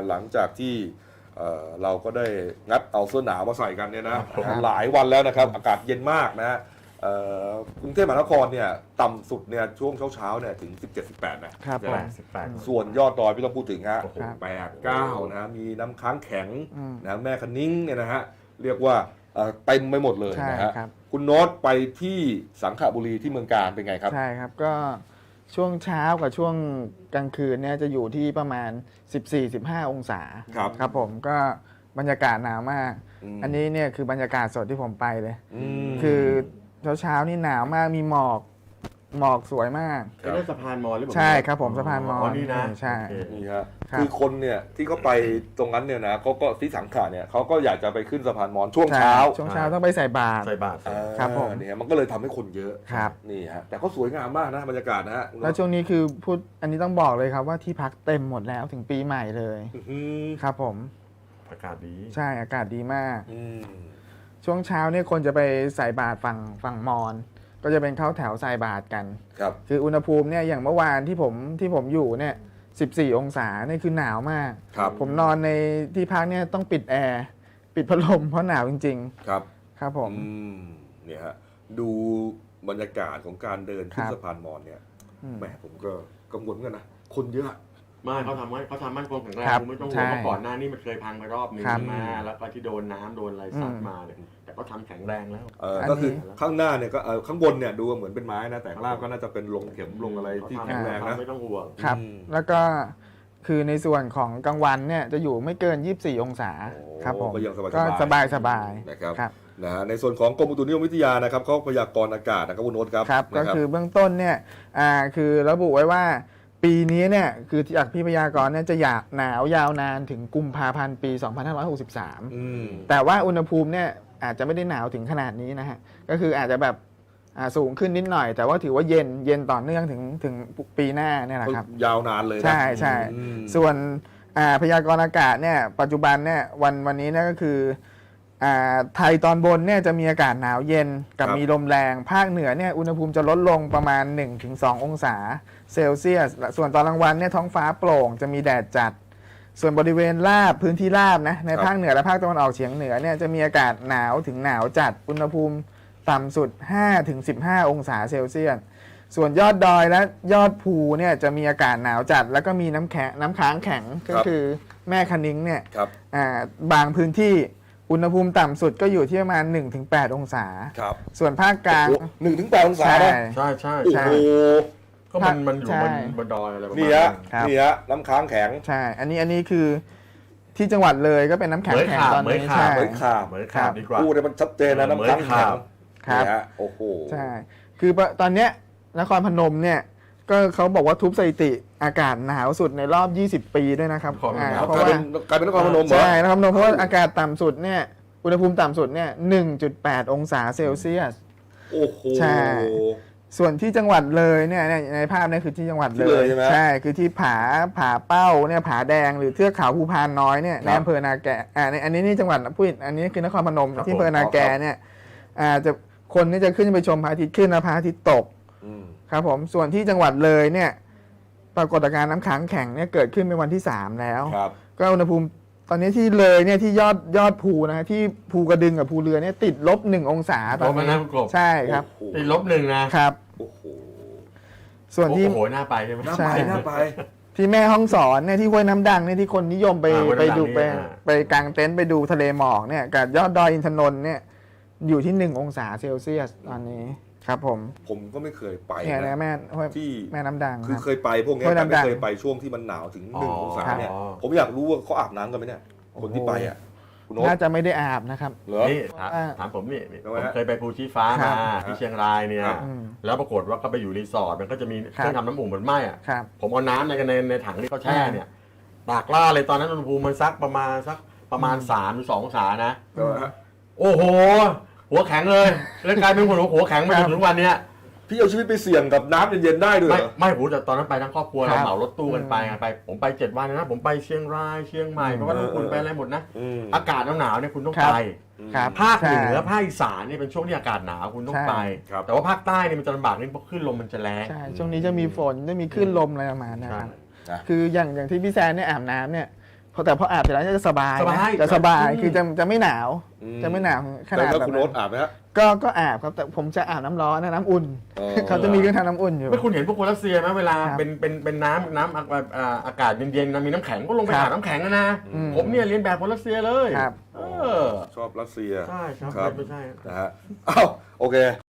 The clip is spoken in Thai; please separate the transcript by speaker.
Speaker 1: หลังจากที่เราก็ได้งัดเอาเสื้อหนาวมาใส่กันเนี่ยนะหลายวันแล้วนะครับอากาศเย็นมากนะกรุงเทพมหานครเนี่ยต่ำสุดเนี่ยช่วงเช้าเนี่ยถึง 17-18 นะครับ
Speaker 2: 18
Speaker 1: ส่วนยอดดอยไม่ต้องพูดถึงฮะ
Speaker 2: โอ้โห
Speaker 1: 8-9นะมีน้ำค้างแข็งนะแม่คะนิ้งเนี่ยนะฮะเรียกว่าเต็มไปหมดเลยนะฮะคุณโน้ตไปที่สังขบุรีที่เมืองการเป็นไงครับ
Speaker 3: ใช่ครับก็ช่วงเช้ากับช่วงกลางคืนเนี่ยจะอยู่ที่ประมาณ 14-15 องศาครับผมก็บรรยากาศหนาวมาก อันนี้เนี่ยคือบรรยากาศสดที่ผมไปเลยคือเช้านี่หนาวมากมีหมอกสวยมาก
Speaker 2: เป็นสะพานมอญหรือเปล่า
Speaker 3: ใช่ครับผมสะพานมอญ
Speaker 2: นี่นะ
Speaker 3: ใช่
Speaker 1: นี่ฮะคือคนเนี่ยที่เขาไปตรงนั้นเนี่ยนะเขาก็ที่สังขะเนี่ยเขาก็อยากจะไปขึ้นสะพานมอญช่วงเช้า
Speaker 3: ต้องไปใส่บาตร
Speaker 1: ครับผมเนี่ยมันก็เลยทำให้คนเยอะ
Speaker 3: ครับ
Speaker 1: นี่ฮะแต่ก็สวยงามมากนะบรรยากาศนะฮะ
Speaker 3: แล้วช่วงนี้คือพูดอันนี้ต้องบอกเลยครับว่าที่พักเต็มหมดแล้วถึงปีใหม่เลยครับผม
Speaker 2: อากาศดี
Speaker 3: ใช่อากาศดีมากช่วงเช้าเนี่ยคนจะไปใส่บาตรฝั่งมอญก็จะเป็นเข้าแถวใส่บาตรกัน
Speaker 1: ครับ
Speaker 3: คืออุณหภูมิเนี่ยอย่างเมื่อวานที่ผมอยู่เนี่ย14 องศาเนี่ยคือหนาวมากผมนอนในที่พักเนี่ยต้องปิดแอร์ปิดพัดลมเพราะหนาวจริง
Speaker 1: ๆครับ
Speaker 3: ครับผม
Speaker 1: เนี่ยฮะดูบรรยากาศของการเดินขึ้นสะพานมอญเนี่ยแหมผมก็กังวลเหมือนกันนะคนเยอะ
Speaker 2: ไม่เขาทำมั่นคงแข็งแรงไม่ต้องห่วงเพราะก่อนหน้านี้มันเคยพังไปรอบนึงมาแล้วก็ที่โดนน้ำโดนอะไรซัดมาเนี่ยแต่ก็ทำแข็งแรงแล้ว
Speaker 1: ก็คือข้างหน้าเนี่ยก็ข้างบนเนี่ยดูเหมือนเป็นไม้นะแต่ข้างล่างก็น่าจะเป็นลงเข็มลงอะไรที่แข็งแรงนะ
Speaker 2: ไม่ต้องห่วง
Speaker 3: ครับแล้วก็คือในส่วนของกลางวันเนี่ยจะอยู่ไม่เกิน24 องศาครับผมก็สบาย
Speaker 1: นะครับนะฮะในส่วนของกรมอุตุนิยมวิทยานะครับเขาพยากรณ์อากาศนะครับคุณโน้ตครับ
Speaker 3: ก็คือเบื้องต้นเนี่ยคือระบุไว้ว่าปีนี้เนี่ยคือจากพี่พยากรณ์เนี่ยจะหนาวยาวนานถึงกุมภาพันธ์ปี 2563แต่ว่าอุณหภูมิเนี่ยอาจจะไม่ได้หนาวถึงขนาดนี้นะฮะก็คืออาจจะแบบสูงขึ้นนิดหน่อยแต่ว่าถือว่าเย็นต่อเนื่องถึงปีหน้าเนี่ยแหละครับ
Speaker 1: ยาวนานเลย
Speaker 3: ใช่ส่วนพยากรณ์อากาศเนี่ยปัจจุบันเนี่ยวันนี้เนี่ยก็คือไทยตอนบนเนี่ยจะมีอากาศหนาวเย็นกับมีลมแรงภาคเหนือเนี่ยอุณหภูมิจะลดลงประมาณ 1-2 องศาเซลเซียสส่วนตอนกลางวันเนี่ยท้องฟ้าโปร่งจะมีแดดจัดส่วนบริเวณราบพื้นที่ราบนะในภาคเหนือและภาคตะวันออกเฉียงเหนือเนี่ยจะมีอากาศหนาวถึงหนาวจัดอุณหภูมิต่ำสุด 5-15 องศาเซลเซียสส่วนยอดดอยและยอดภูเนี่ยจะมีอากาศหนาวจัดแล้วก็มีน้ำค้างแข็งก็คือแม่คะนิ้งเนี่ยบางพื้นที่อุณหภูมิต่ำสุดก็อยู่ที่ประมาณ 1-8 องศาส่วนภาคกลาง
Speaker 1: 1-8 องศา
Speaker 2: ใช่
Speaker 1: โอ้โห
Speaker 2: ก็มันอยู่บนดอยอะไรประมาณ
Speaker 1: นี่ฮะน้ำค้างแข็ง
Speaker 3: ใช่อันนี้คือที่จังหวัดเลยก็เป็นน้ำแข็งตอนนี้ใช่
Speaker 1: เหมือนขาบ
Speaker 2: ดีกว่า
Speaker 1: พูดมันชัดเจนนะน้ำค้างแข็งครับโอ้โห
Speaker 3: ใช่คือตอนเนี้ยนครพนมเนี่ยก็เขาบอกว่าทุบสถิติอากาศหนาวสุดในรอบ20 ปีด้วยนะครับ
Speaker 1: เพราะว่ากลายเป็นนครพนม
Speaker 3: ใช่นครพนมเพราะว่าอากาศต่ำสุดเนี่ยอุณหภูมิต่ำสุดเนี่ย 1.8 องศาเซลเซียส
Speaker 1: โอ้โห
Speaker 3: ใช่ส่วนที่จังหวัดเลยเนี่ยในภาพนี้คือที่จังหวัดเลยใช่คือที่ผาเป้าเนี่ยผาแดงหรือเทือกเขาภูพานน้อยเนี่ยในอำเภอนาแกอันนี้จังหวัดพูดอันนี้คือนครพนมที่อำเภอนาแกเนี่ยจะคนนี่จะขึ้นไปชมพระอาทิตย์ขึ้นและพระอาทิตย์ตกครับผมส่วนที่จังหวัดเลยเนี่ยปรากฏการณ์น้ำค้างแข็งเนี่ยเกิดขึ้นเป็นวันที่3แล้วก็อุณหภูมิตอนนี้ที่เลยเนี่ยที่ยอดภูนะที่ภูกระดึงกับภูเรือเนี่ยติด-1 องศาตอนนี้ใช่ครับ
Speaker 2: ติด-1นะครับ
Speaker 3: ส่วนที่
Speaker 2: โอ้โหน่าไปใช่ไหม
Speaker 1: น่าไป
Speaker 3: ที่แม่ฮ่องสอนเนี่ยที่ห้วยน้ำดังเนี่ยที่คนนิยมไปดูไปกางเต็นท์ไปดูทะเลหมอกเนี่ยกับยอดดอยอินทนนท์เนี่ยอยู่ที่1 องศาเซลเซียสตอนนี้ครับผม
Speaker 1: ก็ไม่เคยไป
Speaker 3: นะที่แม่น้ำดัง
Speaker 1: คือเคยไปพวกนี้แต่ไม่เคยไปช่วงที่มันหนาวถึง1 องศาเนี่ยผมอยากรู้ว่าเขาอาบน้ำกันไหมเนี่ยคนที่ไปอ่ะ
Speaker 3: น่าจะไม่ได้อาบนะครับ
Speaker 2: นี่ถามผมนี่ผมเคยไปภูชีฟ้ามาที่เชียงรายเนี่ยแล้วปรากฏว่าก็ไปอยู่รีสอร์ทมันก็จะมีเครื่องทำน้ำอุ่นเหมือนไหม้อ่ะผมเอาน้ำในถังที่เขาแช่เนี่ยตากล่าเลยตอนนั้นอุณหภูมิมันประมาณ3-2 องศานะโอ้โหหัวแข็งเลยแล้วกลายเป็นหัวแข็งมาจนถึงวันเนี้ย
Speaker 1: พี่เอาชีวิตไปเสี่ยงกับน้ำเย็นๆได้ด้วย
Speaker 2: ไม่ผมแต่ตอนนั้นไปทั้งครอบครัวเราเหมารถตู้กันไปผมไป7 วันนะผมไปเชียงรายเชียงใหม่เพราะว่าคุณไปอะไรหมดนะอากาศหนาวเนี่ยคุณต้องไปภาคเหนือภาคอีสานเนี่ยเป็นช่วงที่อากาศหนาวคุณต้องไปแต่ว่าภาคใต้เนี่ยมันจะลำบากนิดเพราะคลื่นลมมันจะแรง
Speaker 3: ใช่ช่วงนี้จะมีฝนจะมีคลื่นลมอะไรประมาณนั้นคืออย่างที่พี่แซนเนี่ยอาบน้ำเนี่ยพแต่พออาบเสร็จแล้วจะสบาย
Speaker 2: สบาย
Speaker 3: นะจะสบายคือจะไม่หนาว จะไม่หนาวขนาด
Speaker 1: แล้ว
Speaker 3: แบบ
Speaker 1: คุณ
Speaker 3: นั้
Speaker 1: โน้ต
Speaker 3: น
Speaker 1: อาบไหมฮะ
Speaker 3: ก็อาบครับแต่ผมจะอาบน้ำร้อนนะน้ำอุ่น
Speaker 1: อ๋อ
Speaker 3: เขาจะมีเครื่องทำน้ำอุ่นอยู่
Speaker 2: ไม่คุณเห็นพวกคนรัสเซียไหมเวลา
Speaker 3: ครับ
Speaker 2: เป็นน้ำอากาศเย็นๆมีน้ำแข็งก็ลงไป
Speaker 3: ครับ
Speaker 2: หาน้ำแข็งนะ
Speaker 3: อืม
Speaker 2: ผมเนี่ยเรียนแบบคนรัสเซียเลย
Speaker 3: ครับ
Speaker 2: เออ
Speaker 1: ชอบรัสเซีย
Speaker 2: ใช่ครับ
Speaker 1: ครับ
Speaker 2: ไม่ใช่
Speaker 1: นะฮะอ้าวโอเค